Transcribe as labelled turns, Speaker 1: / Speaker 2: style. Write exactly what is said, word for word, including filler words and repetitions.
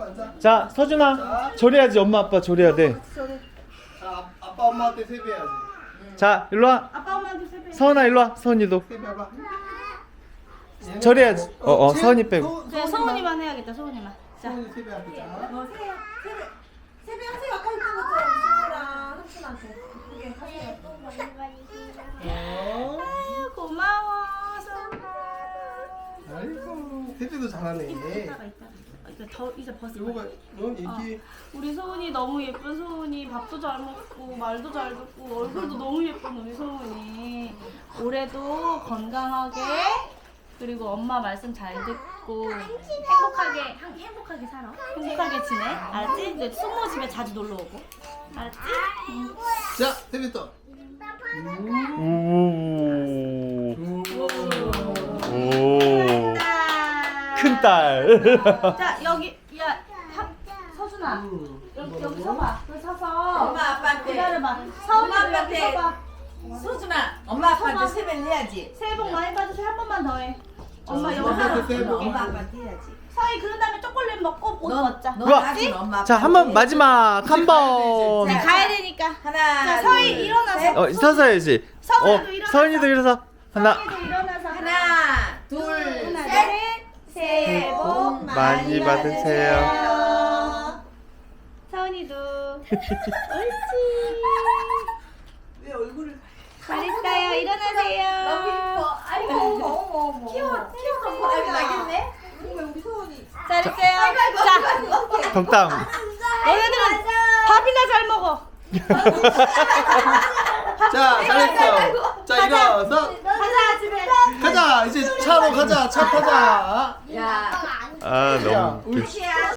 Speaker 1: 자, 서준아. 조려야지. 엄마 아빠 조려야 돼.
Speaker 2: 자, 아빠 엄마한테 세배해야지.
Speaker 1: 자, 일로 와.
Speaker 3: 아빠 엄마한테 세배.
Speaker 1: 서은아 일로 와. 서은이도.
Speaker 2: 세배해봐.
Speaker 1: 조려야지. 어, 어, 서은이 빼고.
Speaker 3: 네, 서훈이만 해야겠다. 서훈이만. 자.
Speaker 2: 서은이 세배할게. 자.
Speaker 4: 어, 세배, 세배, 세배하세요. 아까 했던 것처럼 친구랑 삼촌한테 그게 하세요.
Speaker 2: 어.
Speaker 3: 아유, 고마워. 서훈아.
Speaker 2: 아이고, 세배도 잘하네.
Speaker 3: 이따가 이따가. 이제 더 이제 벗을
Speaker 2: 이거
Speaker 3: 거야.
Speaker 2: 봐, 너 얘기.
Speaker 3: 우리 소은이 너무 예쁜 소은이. 밥도 잘 먹고 말도 잘 듣고 얼굴도 너무 예쁜 우리 소은이. 올해도 건강하게 그리고 엄마 말씀 잘 듣고 행복하게 행- 행복하게 살아. 행복하게 지내. 알았지? 근데 숙모 집에 자주 놀러 오고. 알았지? 응.
Speaker 2: 자, 세배 또.
Speaker 1: 오. 오. 큰 딸.
Speaker 3: 자 여기 야 하, 서준아
Speaker 2: 음.
Speaker 3: 여기 여기 서봐. 여기 서서
Speaker 4: 엄마 아빠한테.
Speaker 3: 기다려봐. 서운이
Speaker 4: 엄마
Speaker 3: 여기
Speaker 4: 아빠한테.
Speaker 3: 서봐.
Speaker 4: 소준아, 엄마 아빠한테
Speaker 3: 서봐.
Speaker 4: 세배를 해야지.
Speaker 3: 새해 복 많이 받으세요. 한 번만 더 해. 엄마
Speaker 2: 자,
Speaker 3: 영상.
Speaker 2: 엄마한테 새해 복
Speaker 4: 엄마
Speaker 2: 많이
Speaker 4: 아빠한테 해야지.
Speaker 3: 서희 그런 다음에 초콜릿 먹고 옷 벗자.
Speaker 4: 너
Speaker 1: 우와.
Speaker 4: 나중에 엄마 아빠.
Speaker 1: 자, 한 번 마지막 한 번.
Speaker 4: 자,
Speaker 3: 가야 되니까.
Speaker 4: 하나.
Speaker 3: 자, 서희
Speaker 4: 둘,
Speaker 3: 일어나서.
Speaker 4: 셋.
Speaker 1: 어, 서서 해야지.
Speaker 3: 서은이도
Speaker 1: 어,
Speaker 3: 일어나서.
Speaker 1: 서은이도 일어서. 하나.
Speaker 3: 서희도 일어나서
Speaker 4: 하나, 둘,
Speaker 3: 하나,
Speaker 4: 셋.
Speaker 3: 셋. 새해 복
Speaker 1: 많이 받으세요.
Speaker 3: 서은이도. 옳지.
Speaker 4: 왜 얼굴을
Speaker 3: 잘했어요. 일어나세요.
Speaker 4: 너무 예뻐. 아이고, 어머, 어머, 어머. 키워, 키워서 보라기 나겠네. 왜 우리 소원이.
Speaker 3: 잘했어요. 자,
Speaker 1: 덕담.
Speaker 3: 너희들은 밥이나 잘 먹어.
Speaker 2: 자, 잘했어. 자, 일어서.
Speaker 3: 가자 집에.
Speaker 2: 가자. 이제 차로 가자. 차 타자.
Speaker 4: 야,
Speaker 1: 아,
Speaker 2: 야,
Speaker 1: 너무.
Speaker 2: 우리
Speaker 4: 시야.